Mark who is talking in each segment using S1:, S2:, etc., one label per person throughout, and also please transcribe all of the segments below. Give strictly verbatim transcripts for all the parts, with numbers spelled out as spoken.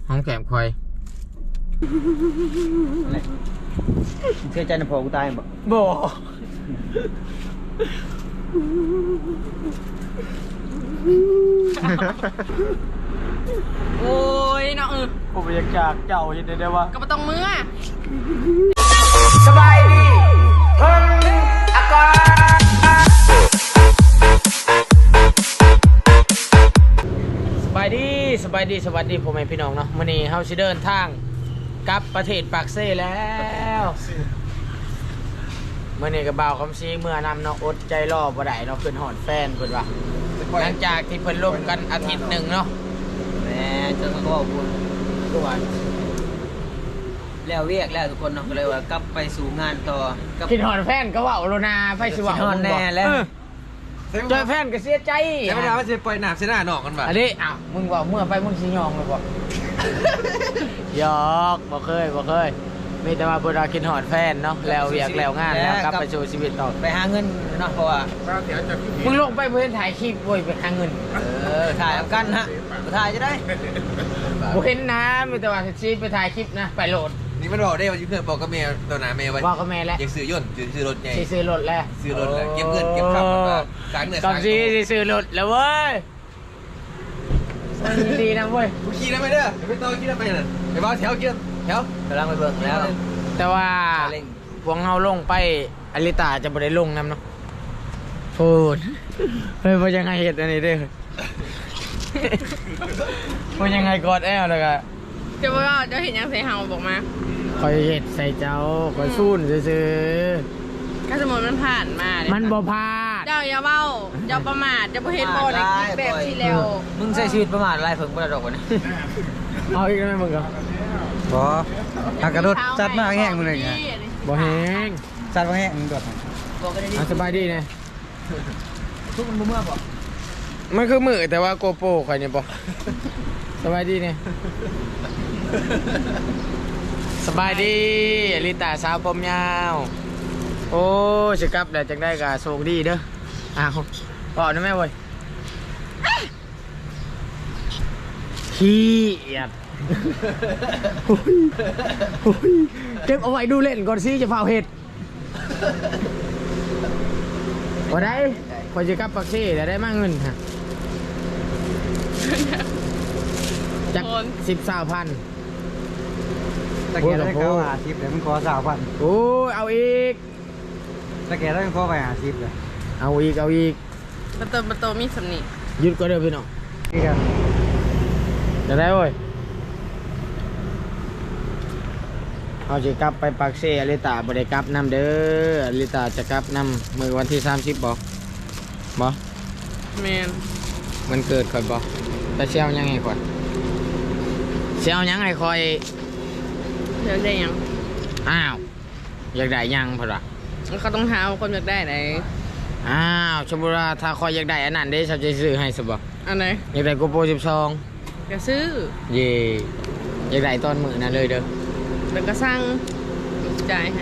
S1: ห้องแก้มคอย
S2: เชื่อใจในพอกูตายบ่
S1: บ่
S3: โอ้ยเนาะเออ
S2: ผมอยากจากเจ้าเห็นได้ว่า
S3: ก็บ่ต้องมือ
S1: สบายดีเพิ่งอากาศสบายดีสบายดีสวัสดีพ่อแม่พี่น้องเนาะมื้อนี้เฮาสิเดินทางกลับประเทศปากเซ่แล้วมื้อนี้ก็บ่าวคำซีเมื่อนำเนาะอดใจรอบ่ได้เนาะขึ้นฮอดแฟนเพิ่นว่าหลังจากที่เพิ่นล่มกันอาทิตย์หนึ่งเนาะ
S2: แหมเจ้าก็บอกบุญก็ว่าแล้วเวียกแล้วทุกคนเนาะก็เลยว่ากลับไปสู่งานต่อ
S1: คิดฮอดแฟนก็ว่าโลนาไฟสิว่า
S2: คิดฮอดแน่แล้ว
S1: เจอแฟนก็เสียใจ
S4: แต่ไม่ได้ว่าจะปล่อยหนามเสียหน้าหนอกกันป่ะ
S1: อันนี้อ้าวมึงว่าเมื่อไปมึงสิยองเลยบ่หยอกบ่เคยบ่เคยมีแต่ว่าบ่ได้คิดฮอดแฟนเนาะแล้วเวียกแล้วงานแล้วกลับไปสู่ชีวิตต่อ
S2: ไปหาเงินเนาะเพราะว่า
S1: มึงลงไปเพื่อนถ่ายคลิปเว้ยไปหาเงิน
S2: เออถ่ายกันฮะถ่ายจะได้
S1: บ่เห็นนะมีแต่ว่าสิไปถ่ายคลิปนะไปโหลด
S4: นี่มันบอกได้ว่าเพื่อนบอกกับเมย์ตัวหนาเมย์ว่า
S1: บอกกับแม่แล้ว
S4: อยากซื้อยนต์ซื้อรถไง
S1: ซื้อรถแล้ว
S4: ซื้อรถแล้วเก็บเงินเก็บข้าวมาสร้างเนื้อสร้างตัว
S1: สิซื้อรถแล้วเว้ยดีนะเว้ย
S4: กูขี่ได้ไหมเด้อไปต่อขี่ได้ไหมน่ะไปบ้าแถวขี่แถว
S2: กำลังไปเบิ่งแล้ว
S1: แต่ว่าพวกเราลงไปอลิตาจะบ่ได้ลงนำเนาะพูดเฮ้ยว่ายังไงเห็ดอันนี้เด้อว่ายังไงกอดแอลเลยอะ
S3: จะบอกว่าจะเห็นยังใส่เฮาบอกมา
S1: คอยเห็ดใส่เจ้าคอยสู้นซื้อ
S3: ถ้าสมมติมันผ่านมา
S1: มั
S3: มัน
S1: บ่พลาด
S3: เจ้าอย่าเบ้าเจ้าประมาทเจ้าบ่เห็นบ่ในคลิปแบบที่แล้ว
S2: มึงใช้ชีวิตประมาทอะไรเพิ่งบ่ได้ดอกวะเนี่ย
S1: เอาอีกได้มึงก็
S2: บ่ทางกระโดดจัดมากแห้งมึงเลยไง
S1: บ่แห้ง
S2: จัดมาแห้งมึงโดด
S1: อ่ะสบายดีนะ
S2: ทุกมันบ่เมื่อบ่
S1: มันคือมือแต่ว่าโกโปรข่อยเนี่ยบ่สบายดีเนี่ยสบายดีอลิตาสาวผมยาวโอ้สิกลับแล้วจังได้ก็โชคดีเด้ออ้าวบ่นะแม่เว้ยขี้เอียดเก็บเอาไว้ดูเล่นก่อนสิจะเผาเห็ดบ่ได้พอจะกลับปักซี่แต่ได้มากเงินฮะจากสิบสามพัน
S2: ตะเกียบได้เข้าหาสิบเดี๋ยวมันขอสามพัน
S1: โอ้เอาอีก
S2: ตะเกียบได้ขอไปหาสิบเลย
S1: เอาอีกเอาอีก
S3: ประตูประตูมีสำนี
S1: หยุดก็เด้อพี่น้อง
S2: นี่กัน
S1: จะได้เว้ยเอาจะกลับไปปักเซ่อลิตาบ่ได้กลับนำเด้ออลิตาจะกลับนำมือวันที่สามสิบบ่บ่
S3: แมน
S1: มันเกิดค่อยบ่แต่เชี่ยวยังไงก่อนเชี่ยวยังไงคอย
S3: เลือกได้ยัง
S1: อ้าวอยากได้ยังพอละ
S3: เขาต้องหาคนอยากได้ไหน
S1: อ้าวชมบุราถ้าคอยอยากได้อันนั้นได้ชาวจะซื้อให้สบ
S3: อันไหน
S1: อยากได้โกโปรสิบสอง
S3: อยากซื้อ
S1: เย่อยากได้ตอนมือนั่นเลยเด้อ
S3: เดี๋ยวก็สั่งจ่ายให้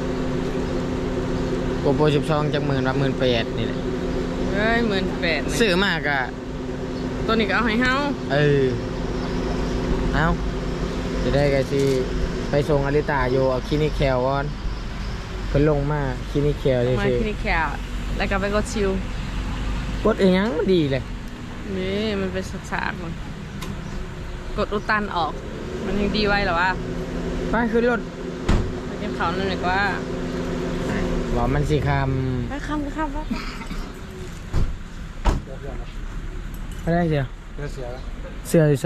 S1: โกโปรสิบสองจากหมื่นละหมื่นแปดนี่แหละ
S3: เฮ้ยหมื่นแปด
S1: ซื้อมากอะ
S3: ตัวนี้ก็เอาให้เฮา
S1: เออเอาจะได้กันสิไปส่งอลิตาโยเอาคลินิกแคลก่อนเพิ่นลงมาคลินิกแคลเลย
S3: มาคลินิกแคลแล้วก็ไปกดชิว
S1: กดเองยังดีเลย
S3: นี่มันเป็นสากๆมันกดอุดตันออกมันยังดีไว้หรอวะ
S1: ไปขึ้นรถ
S3: ไปเก็บเขาหน่อยกว่า
S1: บอกมันสิค
S3: ำไปคำก็คำวะ
S1: ไปได้เสียเสือเสืออยู่ใช่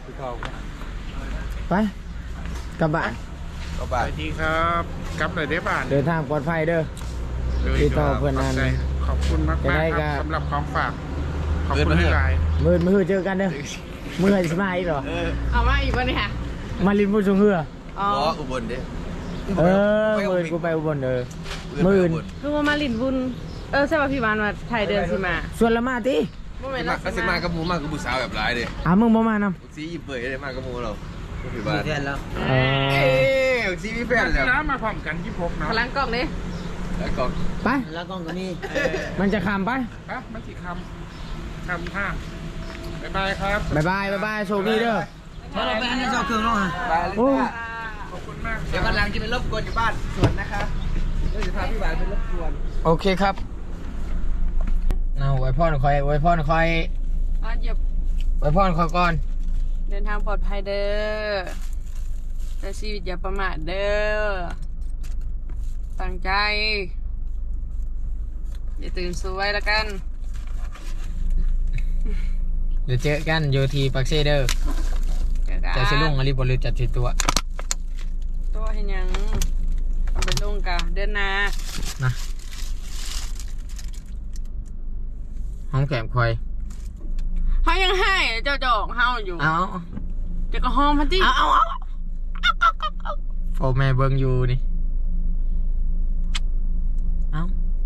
S1: ไปกลับบ้าน
S4: กลับบ้าน
S5: สวัสดีครับกลับเลยได้บ้าน
S1: เดินทางปลอดภัยเด้อติดต่อเพื่อนนั้น
S5: ขอบคุณมากมากครับสำหรับของฝากขอบคุณที่ไลน์
S1: มือมือเจอกันเด้อมือจะมาอีกเหรอ
S3: เอามาอีกวันนี้ค่ะ
S1: มาลินพูดชงเหือ
S4: อ๋ออุบลเด้
S1: เออมือกูไปอุบลเด้อมือ
S3: คือว่ามาลินบุญเออใช่ป่ะพี่บานมาไทยเดินสิมา
S1: ส่วนละมาตี
S4: มากก็สิมากระมูมากกับผู้สาวแบบร้ายเลย
S1: อ่ะมึงบ่มาน
S4: ำซียิบเบยได้มากกระมูเรา
S2: พี่บานแฟนแล้ว
S4: เอ้ยซีมีแฟนแล้ว
S5: น้ำมาพร้อมกันที่พกนะ
S3: พลังกล้องนี่
S4: แล้วกล้อง
S1: ไป
S2: แล้วกล้องตัวนี้
S1: มันจะคำไป
S5: ปะมันสิคำคำท่าบ๊ายบายครับ
S1: บ๊ายบายบ๊ายบายโชคดีเด้อ
S2: ถ้าเราไปอันนี้เจ้าเครื่องเนาะ
S4: บาลิต้าขอบคุณมากเดี๋ยววันหลังจะไปรบกวนอยู่บ้านสวนนะคะเดี๋ยวจะพาพี่หวานไปรบกวน
S1: โอเคครับเอาไว้พ่อคอยไว้พ่อคอย
S3: อ่ะเหยียบ
S1: ไว้พ่อคอยก่อน
S3: เดินทางปลอดภัยเด้อแต่ชีวิตอย่าประมาทเด้อตั้งใจอย่าตื่นสวยแล้วกัน
S1: เดี๋ยวเจอกันโยทีปักเซเดอร์
S3: เจอกัน
S1: จะสิลุงอลิบอลจัดทีตัว
S3: ตัวเห็นยังเอาไปลงกะเดินหนา
S1: นะห้องแก้มคอย
S3: เขายังให้เจ้าจอกเฮาอยู่
S1: เอา
S3: เจ้าก็ห้องพันที่
S1: เอาเอาเอาโฟแม่เบิงอยู่นี่เอา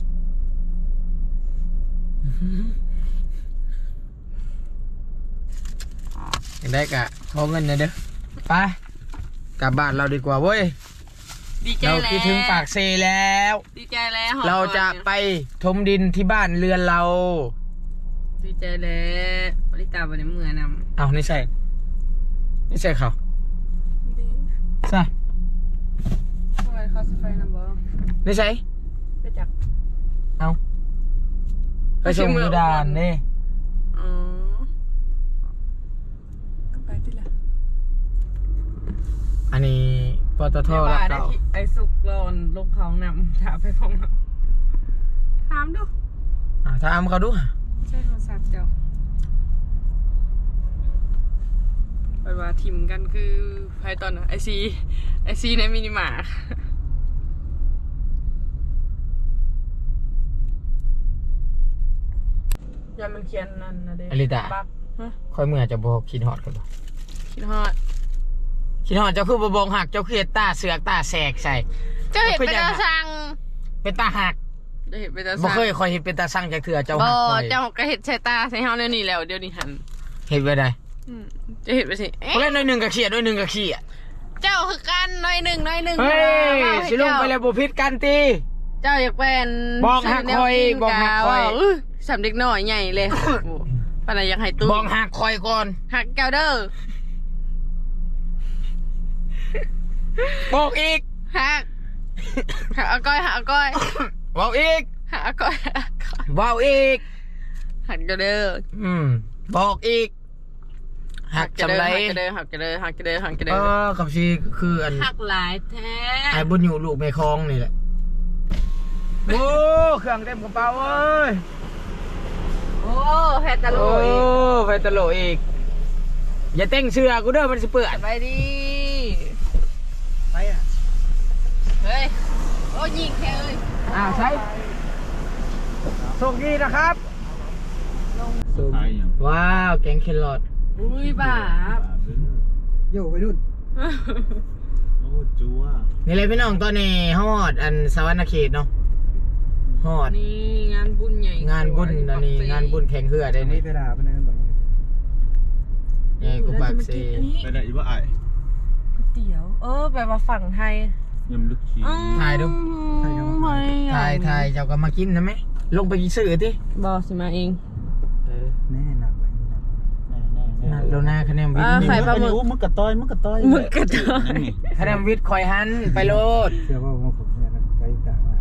S1: อย่างได้กะขอเงินหน่อยเด้อไปกลับบ้านเราดีกว่าเว้ย
S3: ดีใจ
S1: เรา
S3: แล้ว
S1: คิดถึงปากเซแล้ว
S3: ดีใจแล้วหอม
S1: เราจะไปถมดินที่บ้านเรือนเรา
S3: ดีใจแล้วบริตาบริเมือนำ
S1: เอานี่ใช่นี่ใช่เขา
S3: ดี
S1: ใช่
S3: ทำไมเขาสไฟนำบ่
S1: นี่ใช่
S3: ไปจัก
S1: เอาไปส่งยูดานนี่
S3: อ๋อก็ไปที่ละ
S1: อันนี้ปตท
S3: เดี๋ยว
S1: รับ
S3: ว่าได้
S1: เรา
S3: ที่ไอ้สุกรอนลงเขานำถามไปพร้อมกันถามดู
S1: อ่าถามเขาดู
S3: ใช่โทรศัพท์เจ้าไปว่าทิมกันคือไพตอนไอซีไอซีในมินิมาร์ทอย่ามันเขียนนั่นนะเด็
S1: อลิตา
S3: บักฮะ
S1: ค่อยเมื่อจะบอกคิดฮอดกันบ่
S3: คิดฮอด
S1: คิดฮอดเจ้าคือบบอกหักเจ้าคือเฮ็ดตาเสือกตาแสกใส่
S3: เจ้าเห็นเป็นตาสั่ง
S1: เป็นตาหัก
S3: เจ้าเห็นเป็นตา
S1: บ่
S3: สั่ง
S1: เคยคอยเห็นเป็นตาสั่งจากเถื่อเจ้า
S3: บ่
S1: หักคอย
S3: เจ้าก็เห็นใส่ตาใส่เฮาเดี๋ยวนี้แล้วเดี๋ยวนี้หัน
S1: เห็นไว้ได้
S3: อืมเจะเห็นไปสิเอ๊ะ
S1: เล่นหน่อยหนึ่งกับเขียดหน่อยหนึ่งกับเขียด
S3: เจ้าคือกันหน้อยหนึ่งหน้อยหนึ่ง
S1: เฮ้ย
S3: ว่าให้
S1: สิลง
S3: เจ้า
S1: ไปแล้วบ่ผิดกันติ
S3: เจ้าอยากเป็น
S1: บอกหักคอยบอกหักคอย
S3: ว่าสำเด็กน้อยใหญ่เลยโอ้ปานใดอยากให้ตู้
S1: บอกหักคอยก่อน
S3: หักแก้วเด้อ
S1: บอกอีก
S3: หักหักเอาก้อยหักเอาก้อย
S1: เว้าอีก
S3: หักเอาก้อยหักเอาก้อย
S1: เว้าอีก
S3: หักแก้วเด้อ
S1: อืมบอกอีกหัก
S3: แก้ว
S1: จำ
S3: เด้
S1: ไร
S3: อหักแก้วเด้อหักแก้วเด้อหักแก้วเด้อหักแก้ว
S1: เอ
S3: เด้อ
S1: อกับชีคืออัน
S3: หักหลายแท้
S1: ไอ้บุญอยู่ลูกแม่คลองนี่แหละโอ้เครื่องเต็มกระเป๋าเอ้ย
S3: โอ้แพตตาโล
S1: โอ้
S3: อีก
S1: ไฟตะโหลอีกอย่าเต้งเสื้อกูเด้อมันสิเปื้อน
S3: ไปดิ
S1: ไปอ่ะ
S3: เฮ้ยโอ้ยิงแค่เอ้ย
S1: อ่าใช่โชคดีนะครับว้าวแกงเคลอด
S3: อุ้ยบ้า
S4: โย่ไปนู่นโอ้จัว
S1: นี่เลยพี่น้องตอนนี้ฮอดอันสวรรณเขตเนาะฮอด
S3: นี่งานบุญใหญ่
S1: งานบุญอันนี้งานบุญแข่งเรือได้
S4: นี่
S1: นี่
S4: ไปด่าไปไหนกันบ่
S1: ใหญ่กูปากเซ
S4: ไปได้อีว่าไอ้
S3: ก๋วยเตี๋ยว เออแบบว่าฝั่งไทย
S4: ยำลึกชี
S1: ถ่ายดู
S3: ไม่
S1: ถ่ายถ่ายเจ้าก็มากินนะไหมลงไปกินซื้อที่
S3: บอสิมาเอง
S4: แน่หนักไว้นี่หนัก
S1: โลนาคะแนนวิท
S3: อ่า
S1: ย์
S3: ไข่ปลาหมึก
S4: มึกกระต้อยมึกกระต้อย
S3: หมึกกระต้อย
S1: คะแนนวิทย์คอยหันไปโลด
S4: เชื่อว่าผมเนี่ยไปด่ามา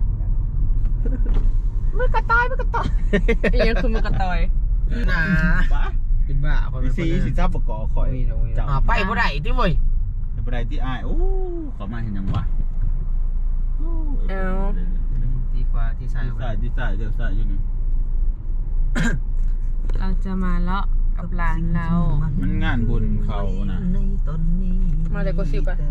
S3: มือกระต่ายมือกระต่ายอีกอยังคือมือกระต่าย
S1: หนาเป็นบ้าพอเป็น
S4: สีสีซับประกอบคอย
S1: อ่าไปบ่ได้ที่เว้ย
S4: ไปได้ที่ไอ้โอ้ขอมาเห็นยังวะ
S3: เอา
S1: ดีกว่าที่ใส่
S4: ที่ใส่ที่ใส่เดี๋ยวใส่อยู่นี่
S3: เราจะมาเลาะกับหลานเรา
S4: มันงานบุญเขานะ
S3: มาเลยกดซิวกัน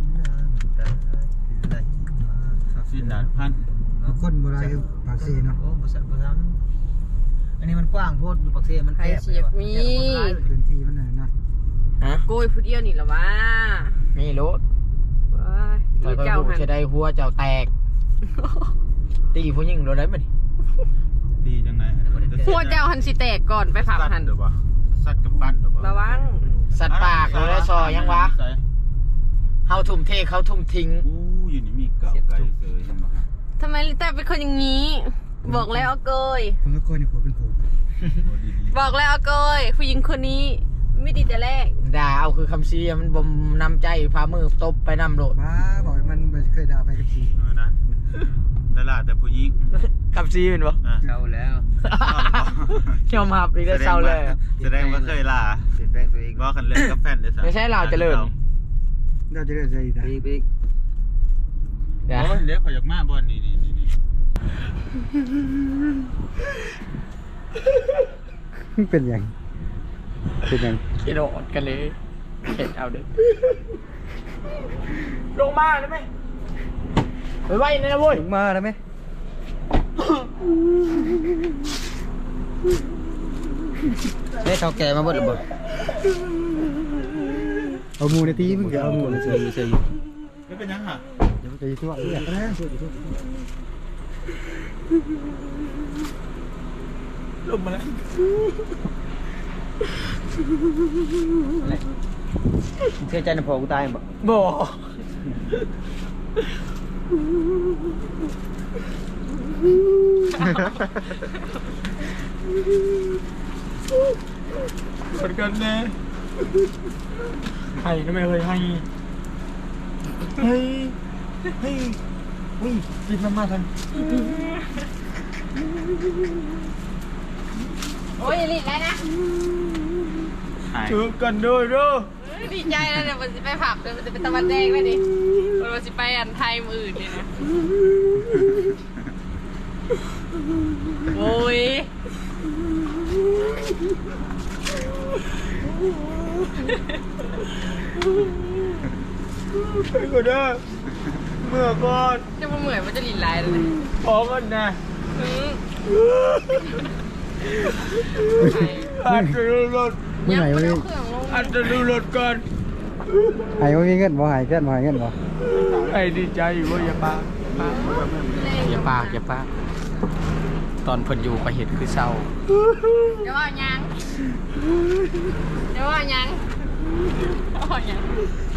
S4: สิ้นดาดพัน
S6: คนโบราณปากเซเนาะ
S2: โอ้บริษัทบริษัทอันนี้มันกว้างโพดอยู่ปักเสียมัน
S3: ใคร
S2: แคบ
S3: เสียบมี
S6: พื้นที่มันน่ะนะ
S1: ฮะ
S3: โกยผู้เดียวนี่เหรอวะ
S1: มีรถ
S3: ว้าย
S1: แต่
S3: อี
S1: ก็
S3: เจ้า
S1: รู้
S3: หัน
S1: จะได้หัวเจ้าแตก ตีผู้หญิงเราได้ไหม
S4: ดีจังไง
S3: หัวเจ้าหันสิแตกก่อนไปผับหัน
S4: เดี๋ยววะสัตว์กับปั้นเดี๋ยววะ
S3: ระวัง
S1: สัตว์ป่าเขาได้ซอยังวะเฮาทุ่มเทเขาทุ่มทิ้ง
S4: อู้อยู่นี่มีเก่าไก่เสยยังบ่
S3: ทำไมลิต้าเป็นคนอย่างนี้ บอกแล้วเอาเกย
S6: ผมก็เคยในผัวเป็นผัว
S4: โอ้ดี
S3: บอกแล้วเอาเกยผู้หญิงคนนี้ไม่ดีแต่แรก
S1: ด่าเอาคือคำชี้มันบ่มนำใจพามือตบไปนำโลด
S6: มาบอกให้มันบ่เคยด่าไปกับสี
S7: เออนะแล้วล่ะแต่ผู้หญิง
S1: คำชี้เป็นบ่
S7: อ่ะ
S2: เศร้าแล้ว
S1: ยอมรับอีกได้เศร้าเลย
S7: แสดงว่าเคยล่ะ
S2: เปลี่ยนแปลงตัวเอง
S7: ว่ากันเลิกกับแฟนได้ซะ
S1: ไม่ใช่เราเจริญ
S6: เราจะเลิกใจอีก
S2: ไปอีกไปอีก
S1: เดี๋ยว
S7: โอ้ยเดี๋ยวขอยอยากมาบ่อนนี่นี่นี่นี่
S6: เป็นอย่างเป็นอย่าง
S1: คิดโดดกันเลยเห็นเอาเด็กลงมาได้ไหมไปไว้นี่นะเว้ย
S6: ถึงมาแล้วไหม
S2: ได้เท่าแก่มาเบิดหรือเปล่า
S6: เอาหมูในตีมึงจะเอาหมูใน
S2: เซ
S6: ตี
S2: ยอยู่เซยอยู่
S7: ไม่เป็นยังฮะ
S6: เดี๋ยวมันจะยุ่งอะไรนะช่วยช่วย
S1: ลงมาแล้ว
S2: เชื่อใจในพอกูตายบ่
S1: บ่เหมือนกันแน่ให้ทำไมเคยให้เฮ้ยเฮ้ยเฮ้ยรีบมามาทัน
S3: โอ้ยรีบแล้วนะ
S7: หาย
S1: ถือกันด้วยเด้อ
S3: ดีใจแล้วเดี๋ยวมันจะไปผับเดี๋ยวมันจะเป็นตะวันแดงเลยดิมันจะไปอันไทยมืออื่นเลยนะโอ้ย
S1: ไปก่อนเด้อเมื่อก่อน
S3: จะมาเหมือนมันจะลีลายเลย
S1: ขอกันนะ
S3: อืม
S1: อาจจะดูรถ
S6: เมื่อไหร่
S3: ยั
S6: วะ
S3: ง
S6: นี่
S3: ไม่เอาเครื่องลง
S1: อาจจะดูรถก่อน
S6: หายว่ามีเงินบ่หายเงินบ่หายเงินบ่
S1: ไอ้ดีใจอยู่ว่าอย่าปากอย่าปากอย่าปากตอนเพิ่นอยู่ก็เห็นคือเศร้า
S3: เดี๋ยวว่ายังเดี๋ยวว่ายังเดี๋ยวว่ายัง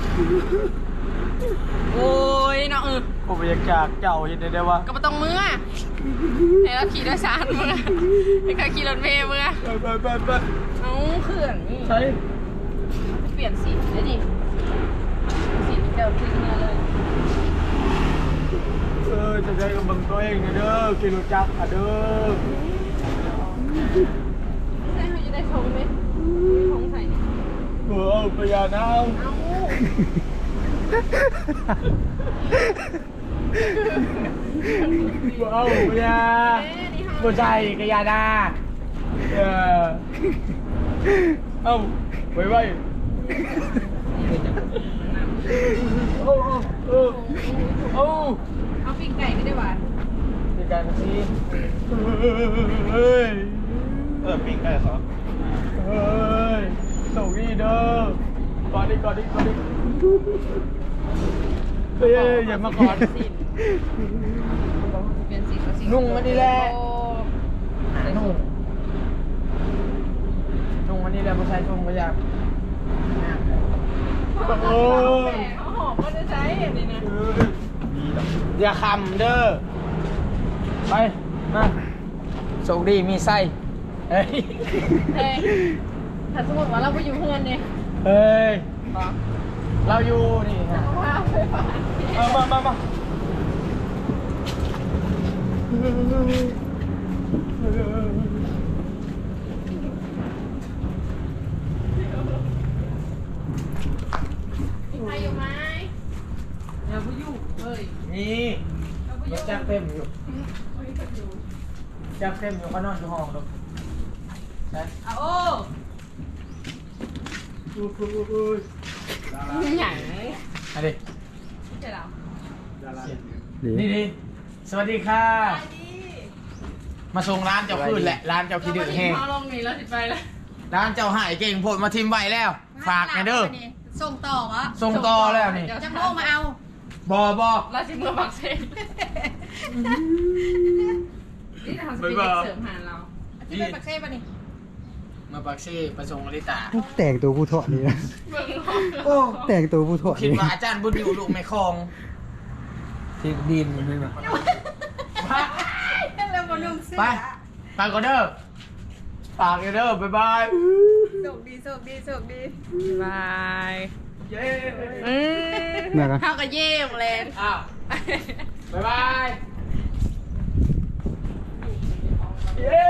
S3: โอ้ยเนาะเออ
S1: ผมอยากจากเจ้าเห็นได้ได้ว่า
S3: ก็ไม่ต้องมือให้เราขี่โดยสารมือให้เขาขี่รถเมล์มือ
S1: ไปไปไป
S3: เอาเครื่องนี่
S1: ใช่
S3: เปลี่ยนสีได้ดิสีเดิมขึ้นมาเลย
S1: เออจะได้กับบังตัวเองนะเด้อกินรถจักรอ่ะเด้อ
S3: ใช่เขาจะได้ชงไหมชงใส่เนี่ย
S1: เออพญานาค
S3: เอา
S1: เอาพญา
S3: เอ๊ะนี่
S1: บ่
S3: เขา
S1: ใช่กะยาดาเออเอาไว้ไว้โอ้โอ้โอ้
S3: เอาปิ้งไก่ก็ได้หวาน
S1: ในการซีเฮ้ย
S7: เออปิ้งไก่ขอ
S1: เฮ้ยส่งนี่เด้อก่อนดิก่อนดิก่อนดิเฮ้ยอย่ามาก่อน
S3: เปลี่ยนสีก็สี
S1: นุ่งอันนี้แหละ
S3: โอ้
S1: นุ่งนุ่งอันนี้แหละผู้ชายชงก็อยาก
S3: โอ้เขาหอมก็จะใช้อันนี้นะ
S1: อย่าคำเด้อไปมาโชคดีมีไส้เฮ้ย
S3: เฮ้ยถ้าสมมติว่าเราไปอยู่เพื่อนเนี่ย
S1: เฮ้ย
S3: บอก
S1: เราอยู่นี่ฮะ
S3: ว่าไปฝัน
S1: เอามามามา
S3: มีใครอยู่ไหมอย่าไปยุ่งเฮ้ย
S1: นี่รถจักรเต็มอยู่จักรเต็มอยู่เขานอนอยู่ห้องลูกนะ
S3: เอาโอ้
S1: อู้หูอู้หู
S3: หยัง
S1: อันนี้
S3: เจ๋อ
S1: นี่ดิสวัสดีค่ะ มาส่งร้านเจ้าคืนแหละ ร้านเจ้าขี้ดื้อแห้ง
S3: เอาลงนี่แล้วสิไปแล้ว
S1: ร้านเจ้าหายเก่งโพดมาทิมไว้แล้ว ฝากหน่อยเด้อ
S8: ส่งต่อวะ
S1: ส่งต่อแล้วนี่
S8: จะโมงมาเอา
S1: บอบอ
S3: แล้วสิเมื่อบักเซ่นี่ทำสปีดเสริมหาเรา
S8: ที่เป็นปักเซ่ปะนี่
S1: มาปักซี่ประสงค์อลิตา
S6: แต่งตัวผู้เถาะนี่นะ
S3: เบิ่ง
S1: โอ้
S6: แต่งตัวผู้เถาะ
S1: คิด
S6: นี่
S1: ว่าอาจารย์บุญอยู่ลูกไม่คลองที่ดินมันไม่มา
S8: แล้วบนนุ่งเสื้อ
S1: ไป ไปก่อนเด้อฝากกันเด้อบ๊ายบาย
S3: บโชคดีโชคดีโชคดีบายเย้
S6: เมื่อกัน
S3: เข้ากับเย่หมดเลย
S1: อ้าวบ๊ายบายเย้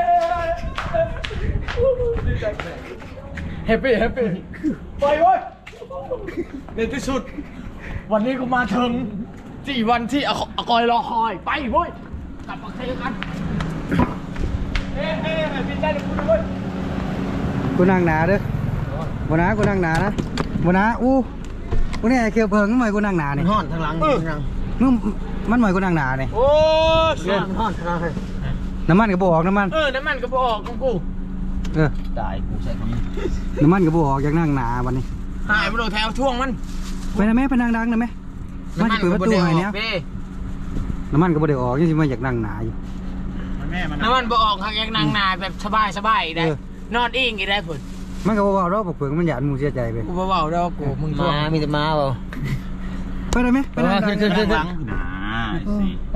S1: แฮปปี้แฮปปี้ไปเว้ยในที่สุดวันนี้กูมาถึงสี่วันที่ออากอยรอคอยไปเว้ยกลับมาเทกันเฮ้เฮ้บินได้เลยคุณเว้ย
S6: กูนั่งหนาเด้อบ่นะกูนั่งหนานะบ่นะอู้กูนี่ไอ้เขียวเพิงมันหมายกูนั่งหนานี่
S2: ห่อนทางหลังทางหลัง
S6: มึงมันหมายกูนั่งหนานี่
S1: โอ้
S2: ห่อนห่อนทางหลังเลย
S6: น้ำมันก็บ่ออกน้ำมัน
S1: เออน้ำมันก็บออกของกู
S6: เออ
S2: ตายกูใส่คำนี้
S6: น้ำมันก็บ่ออกอยากนั่งหนาวันนี้
S1: หายมาโดนแถวช่วงมัน
S6: ไปนะแม่ไปนั่งดังนะแม่มันจะเปิดประตูให้เนี้ย
S1: เด้
S6: น้ำมันก็บ่ได้ออกยังสิมาอยากนั่งหนาอยู่
S7: มันแม่มัน
S1: น้ำมันบ่ออกทางยังนางนาแบบสบายสบายได้
S6: เออ
S1: นอนอิงอีได้ผล
S6: มันก็บ่เว้ารอกเผือกมันหยาดหมูเสียใจไป
S1: กูบ่เว้าดอกกูมึงช่วง
S2: มามีแต่มาเปล่า
S6: ไปนะแม่ไปนั่งดัง
S2: ขึ้นขึ้น
S7: หลังหนาสิ
S1: โอ้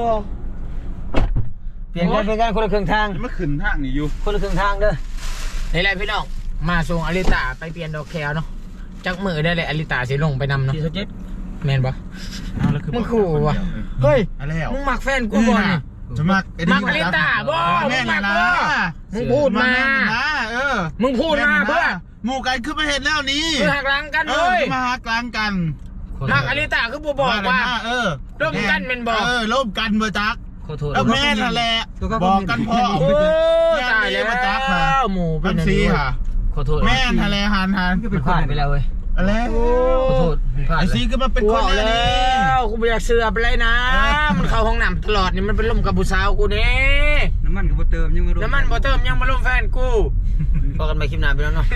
S2: เปลี่ยนกันเปลี่ยนกันคนละครึ่งทาง
S7: จะมาขึ้นทางนี่อยู่
S2: คนละครึ่งทางเด้อ
S1: นี่แหละพี่น้องมาส่งอลิตาไปเปลี่ยนดอกแคลเนาะจักมือได้เลยอลิตาสิลงไปนำเนาะ
S2: สี่สิบเจ็ด
S1: แม่นปะ
S7: เอาแล้วคือ
S1: มึงขู่วะเฮ้ย
S7: อะไรแล้ว
S1: มึงมักแฟนกูบ่นี่
S7: จะมัก
S1: มักอลิตาบ่
S7: แม่
S1: มึง
S7: นะ
S1: มัก
S7: นะ
S1: บ่มึงพูดมา
S7: แนะเออ
S1: มึงพูดมาเพื่อ
S7: หมู่กันขึ้นมาเห็นแล้วนี่
S1: มึงหักหลังกัน
S7: เอ
S1: เล
S7: อย มาหากลางกัน
S1: มักอลิตาคือบ่บอกว่า
S7: เออ
S1: ร่วมกันเป็นบ่
S7: เออร่วมกันบ่จัก
S2: ขอโทษ
S7: แล้วแม่นั่นแหละบอกกันพ่อ
S1: โอ้ตายแล้ว
S7: มาจักค่ะ
S1: หมูเป็
S7: เป็น น
S1: อัน
S7: ซี
S1: นี้
S7: ค่ะ
S2: ขอโทษ
S7: แม่นั่นแหละหันหัน
S2: มันพลาดไปแล้วเว้ย
S7: อะไร
S2: ขอโทษมันพลาด
S7: ไอ
S2: เล
S7: ซี
S2: ย
S7: ก็มาเป็น
S1: กู
S7: คน
S1: บอก
S7: แล้
S1: แล้ว วกูไม่อยากเสือไปเลยนะ มันเข้าห้องน้ำตลอดนี่มันเป็นลมกับผู้สาวกูนี่
S6: น้ำมันก็บ่เติมยังไม่รู้
S1: น้ำมันบ่เติมยังมาลมแฟนกู
S2: พอกันไปคลิปหน้าไปแล้วเนาะ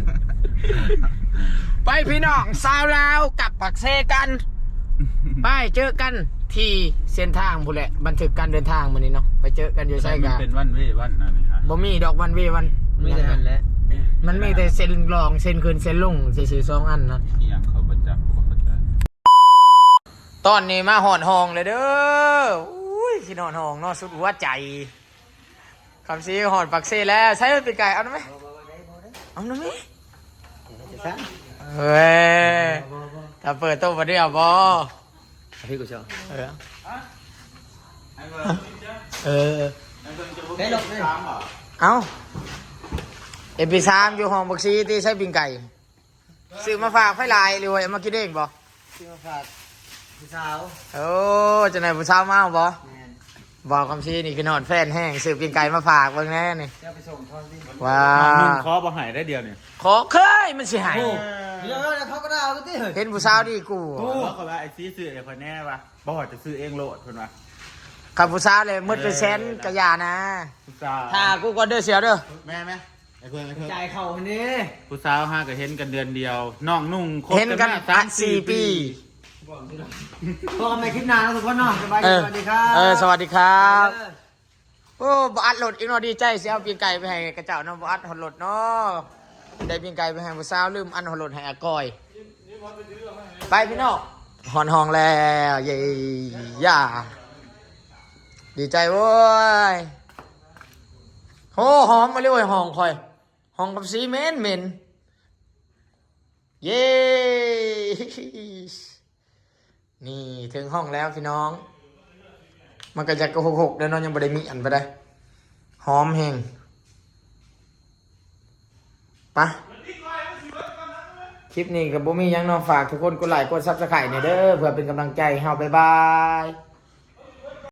S1: ไปพี่น้องสาวลาวกับปักเซกัน ไปเจอกันที่เส้นทางพู้นแหละบันทึกการเดินทางมื้อนี้เนาะไปเจอกันอยู่ใช่
S7: มั
S1: กัน
S7: เป็นวันเว้วันนั่นนี่ค่ะ
S1: บ่มีดอกวันเววัน
S2: ไม่ได้กันแล้ว
S1: มันมีแต่เส้นรองเส้นขึ้นเส้นลงซื่อๆสองอันนะ
S7: ที่ยังเขาประจักษ์เขาเข้าใจ
S1: ตอนนี้มาหอนห้องเลยเด้ออุ้ยที่นอนห้องเนอนสุดหัวใจคำซีหอนปักเซ่แล้วใช้เป็นปีกไก่เอาหน่อยไหมเอาหน่อยไหมเฮ้ยถ้าเปิดตู้มาเดียวบอ
S2: พี่กูชอบ
S1: เออเออ
S2: เฮ้ยลงเลย
S1: เอาเอพีสามอยู่ห้องปักซีที่ใช้ปิงไก่ซื้อมาฝากไฟลายเลยเว้ยเอามากินเองบ่
S2: พี่มาฝากพี่สาว
S1: โอ้จะไหนผู้สาวมาบ่
S2: แมน
S1: บอกคำชี้นี่คือนอนแฟนแห้งซื้อปิงไก่มาฝากเบิ่งแน่นี่
S2: จะไปส่งทอนที่
S1: ว้า
S7: นุ่
S1: ว
S7: งคอบ่หายได้เดียวเนี่ย
S1: ขอเคยมันสิหาย
S2: เดี๋ยวเดี๋ยวเขาก็ได้เอาไปที่เฮ้ย
S1: เห็นผู้สาวดีกู
S7: กูเขาว่าไอ้ซีซื้อไอ้คนแน่ปะบ่ว่าจะซื้อเองโลดคนวะ
S1: กับผู้สาวเลยมืดไปแสนกะยานะ
S7: ผู้สาว
S1: ถ้ากูก็เด้อเสียเด้อ
S7: แม่ไหมไอ้เพื่อนไอ้เพื่อน
S2: จ่ายเข่าคนนี้
S7: ผู้สาวห้าก็เห็นกันเดือนเดียวน้องนุ่งคบ
S1: เห็นกัน
S7: มา
S1: อัดสี่ปี
S2: พอกันไปคลิปหน้าแล้วทุกคนเนาะสบาย
S1: เอ
S2: ดี
S1: อ
S2: สวัสดีครับ
S1: เออสวัสดีครับโอ้บอัดโหลดอีกหน่อยดีใจสิเอาปิงไก่ไปให้กระเจ้าเนาะบอัดหดโหลดเนาะได้ปิงไก่ไปให้ผู้สาวลืมอันหดโหลดให้อากอยไปพี่น้องหอนห้องแล้วเย้ย่าดีใจเว้ยโอ้หอมมาเลยเว้ยห้องคอยห้องกับสีเหม็นเหม็นเย้นี่ถึงห้องแล้วพี่น้อง มันก็จะกระหกหกแล้วน้องยังบ่ได้มีอันไปได้หอมแห้งปะคลิปนี้กับบ่มีหยังเน้องฝากทุกคนกดไลค์กดซับสไครต์เนี่ยเด้อเพื่อเป็นกำลังใจให้เฮาบ๊ายบาย